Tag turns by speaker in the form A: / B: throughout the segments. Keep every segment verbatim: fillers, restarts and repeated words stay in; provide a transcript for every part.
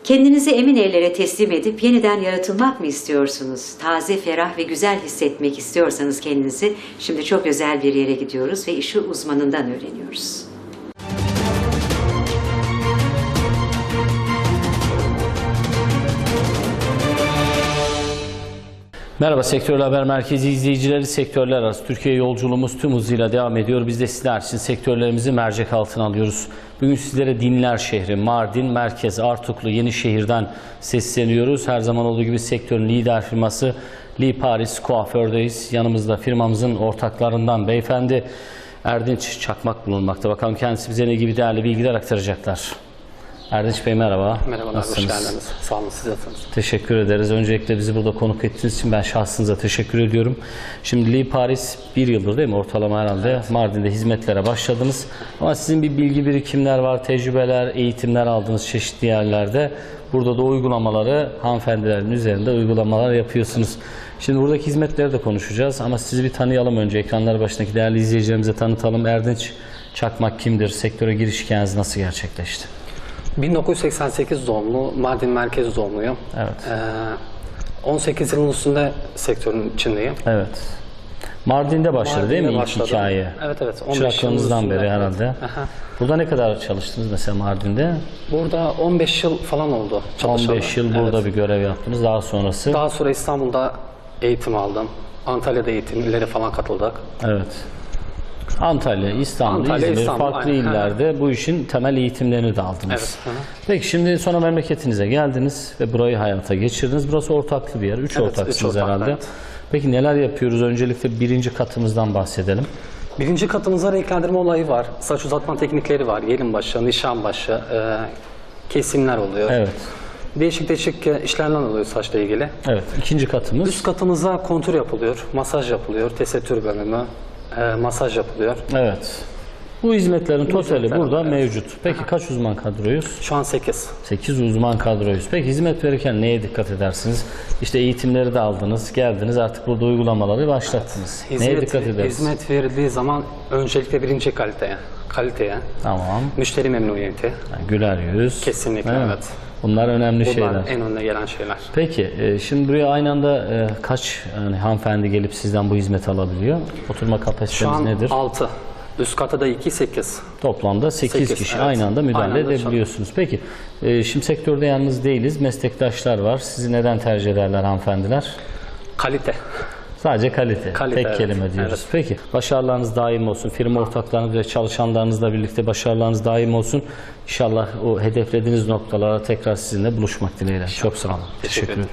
A: Kendinizi emin ellere teslim edip yeniden yaratılmak mı istiyorsunuz? Taze, ferah ve güzel hissetmek istiyorsanız kendinizi, şimdi çok özel bir yere gidiyoruz ve işi uzmanından öğreniyoruz.
B: Merhaba Sektörler Haber Merkezi izleyicileri, sektörler arası Türkiye yolculuğumuz tüm hızıyla devam ediyor. Biz de sizler için sektörlerimizi mercek altına alıyoruz. Bugün sizlere Dinler şehri, Mardin, Merkez, Artuklu, Yenişehir'den sesleniyoruz. Her zaman olduğu gibi sektörün lider firması Li Paris Kuaför'deyiz. Yanımızda firmamızın ortaklarından beyefendi Erdinç Çakmak bulunmakta. Bakalım kendisi bize ne gibi değerli bilgiler aktaracaklar. Erdinç Bey merhaba.
C: Merhabalar, hoş geldiniz. Sağ olun, siz nasılsınız?
B: Teşekkür ederiz. Öncelikle bizi burada konuk ettiğiniz için ben şahsınıza teşekkür ediyorum. Şimdi Li Paris bir yıldır değil mi? Ortalama herhalde evet. Mardin'de hizmetlere başladınız. Ama sizin bir bilgi birikimler var, tecrübeler, eğitimler aldığınız çeşitli yerlerde. Burada da uygulamaları hanımefendilerin üzerinde uygulamalar yapıyorsunuz. Şimdi buradaki hizmetleri de konuşacağız ama sizi bir tanıyalım önce. Ekranlar başındaki değerli izleyicilerimize tanıtalım. Erdinç Çakmak kimdir? Sektöre giriş hikayeniz nasıl gerçekleşti?
C: bin dokuz yüz seksen sekiz doğumlu, Mardin Merkez doğumluyum.
B: Evet.
C: Ee, on sekiz yılın üstünde sektörün içindeyim.
B: Evet. Mardin'de başladı
C: Mardin'de
B: değil mi
C: başladım.
B: ilk hikaye?
C: Evet evet.
B: Çıraklığınızdan beri herhalde.
C: Aha.
B: Burada ne kadar çalıştınız mesela Mardin'de?
C: Burada on beş yıl falan oldu çalışalı.
B: on beş yıl burada evet. bir görev yaptınız. Daha sonrası?
C: Daha sonra İstanbul'da eğitim aldım. Antalya'da eğitimlere falan katıldık.
B: Evet. Antalya, İstanbul,
C: Antalya,
B: İzmir,
C: İstanbul,
B: farklı
C: aynen.
B: illerde bu işin temel eğitimlerini de aldınız.
C: Evet. Hı hı.
B: Peki şimdi sonra memleketinize geldiniz ve burayı hayata geçirdiniz. Burası ortaklı bir yer. Üç
C: Evet,
B: ortaksınız
C: üç ortak,
B: herhalde.
C: evet.
B: Peki neler yapıyoruz? Öncelikle birinci katımızdan bahsedelim.
C: Birinci katımızda renklendirme olayı var. Saç uzatma teknikleri var. Yelin başı, nişan başı, e, kesimler oluyor.
B: Evet.
C: Değişik değişik işlemler oluyor saçla ilgili.
B: Evet. İkinci katımız.
C: Üst katımızda kontur yapılıyor, masaj yapılıyor, tesettür bölümü, e, masaj yapılıyor.
B: Evet. Bu hizmetlerin totali
C: hizmetler
B: burada
C: var, evet.
B: mevcut. Peki Aha. kaç uzman kadroyuz?
C: Şu an sekiz.
B: sekiz uzman kadroyuz. Peki hizmet verirken neye dikkat edersiniz? İşte eğitimleri de aldınız, geldiniz artık burada uygulamaları başlattınız.
C: Evet.
B: Neye
C: Hizmet,
B: dikkat edersiniz?
C: hizmet verildiği zaman öncelikle birinci kaliteye, kaliteye,
B: Tamam.
C: müşteri memnuniyeti.
B: Yani güler yüz.
C: Kesinlikle
B: evet.
C: evet.
B: Bunlar önemli
C: Bunlar
B: şeyler.
C: en önüne gelen şeyler.
B: Peki e, şimdi buraya aynı anda e, kaç yani hanımefendi gelip sizden bu hizmeti alabiliyor? Oturma
C: Şu
B: kapasiteniz
C: an
B: nedir?
C: altı. Üst kata da iki, sekiz.
B: Toplamda sekiz,
C: sekiz,
B: kişi
C: evet.
B: aynı anda müdahale
C: Aynı anda
B: edebiliyorsunuz. Peki e, şimdi sektörde yalnız değiliz. Meslektaşlar var. Sizi neden tercih ederler hanımefendiler?
C: Kalite.
B: Sadece kalite.
C: Kalite,
B: Tek
C: evet.
B: kelime diyoruz.
C: Evet.
B: Peki başarılarınız daim olsun. Firma ortaklarınız ve çalışanlarınızla birlikte başarılarınız daim olsun. İnşallah o hedeflediğiniz noktalara tekrar sizinle buluşmak dileğiyle. Çok sağ olun.
C: Teşekkür ederim.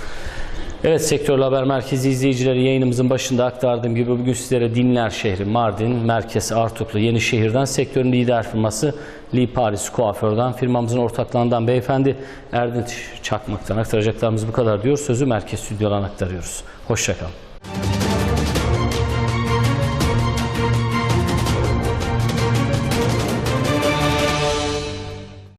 B: Evet, Sektörler Haber Merkezi izleyicileri, yayınımızın başında aktardığım gibi bugün sizlere Dinler şehri, Mardin, Merkez, Artuklu, Yenişehir'den sektörün lider firması Li Paris Kuaför'den, firmamızın ortaklarından beyefendi Erdinç Çakmak'tan aktaracaklarımız bu kadar diyor. Sözü Merkez Stüdyo'dan aktarıyoruz. Hoşça kalın.